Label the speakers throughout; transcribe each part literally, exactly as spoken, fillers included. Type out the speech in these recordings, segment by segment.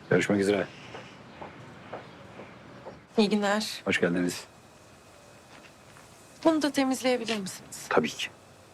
Speaker 1: Görüşmek üzere.
Speaker 2: İyi günler.
Speaker 1: Hoş geldiniz.
Speaker 2: Bunu da temizleyebilir misiniz?
Speaker 1: Tabii ki.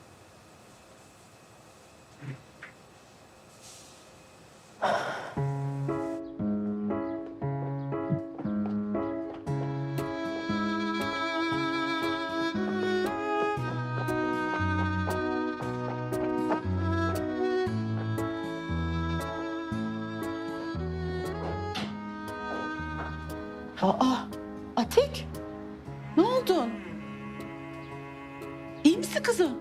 Speaker 3: Aa, Atik, ne oldun? İyi misin kızım?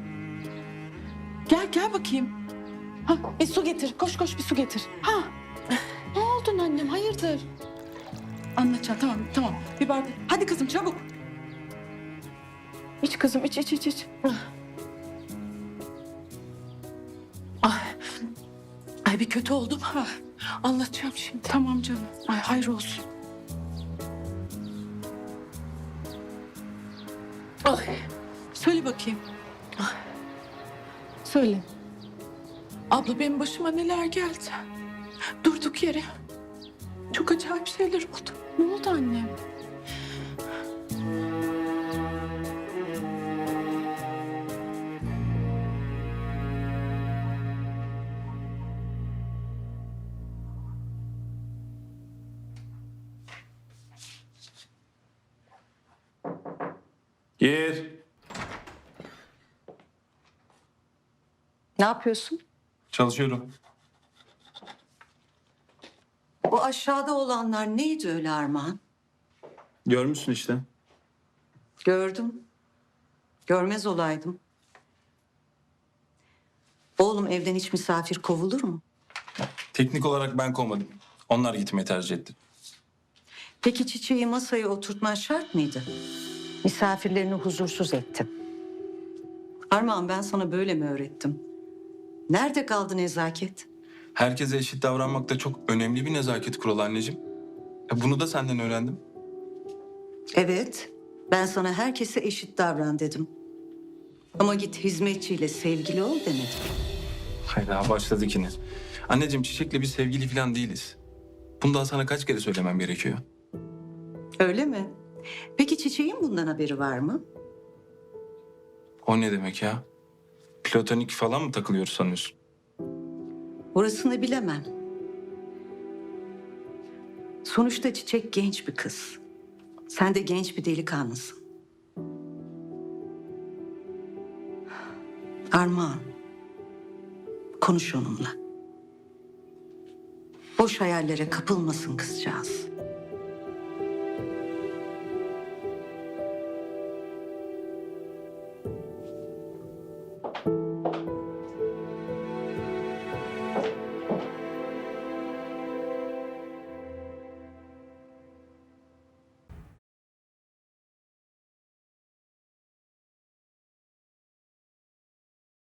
Speaker 3: Gel, gel bakayım. Ha, bir su getir, koş koş bir su getir. Ha, ne oldun annem, hayırdır? Anlatacağım, tamam, tamam. Bir bardak, hadi kızım çabuk. İç kızım, iç, iç, iç, iç. Ay, ay bir kötü oldum. Ha, anlatacağım şimdi. Tamam canım, ay hayır olsun. Ay, söyle bakayım. Ay, söyle. Abla benim başıma neler geldi. Durduk yere. Çok acayip şeyler oldu. Ne oldu annem?
Speaker 4: Gir.
Speaker 5: Ne yapıyorsun?
Speaker 4: Çalışıyorum.
Speaker 5: O aşağıda olanlar neydi öyle Armağan?
Speaker 4: Görmüşsün işte.
Speaker 5: Gördüm. Görmez olaydım. Oğlum evden hiç misafir kovulur mu?
Speaker 4: Teknik olarak ben kovmadım. Onlar gitmeyi tercih etti.
Speaker 5: Peki Çiçeği masaya oturtman şart mıydı? Misafirlerini huzursuz ettin. Armağan ben sana böyle mi öğrettim? Nerede kaldı nezaket?
Speaker 4: Herkese eşit davranmak da çok önemli bir nezaket kuralı anneciğim. E bunu da senden öğrendim.
Speaker 5: Evet, ben sana herkese eşit davran dedim. Ama git hizmetçiyle sevgili ol demedim.
Speaker 4: Hayda başladık yine. Anneciğim Çiçek'le bir sevgili falan değiliz. Bunu daha sana kaç kere söylemem gerekiyor?
Speaker 5: Öyle mi? Peki Çiçeğin bundan haberi var mı?
Speaker 4: O ne demek ya? Platonik falan mı takılıyoruz sanıyorsun?
Speaker 5: Orasını bilemem. Sonuçta Çiçek genç bir kız. Sen de genç bir delikanlısın. Armağan, konuş onunla. Boş hayallere kapılmasın kızcağız.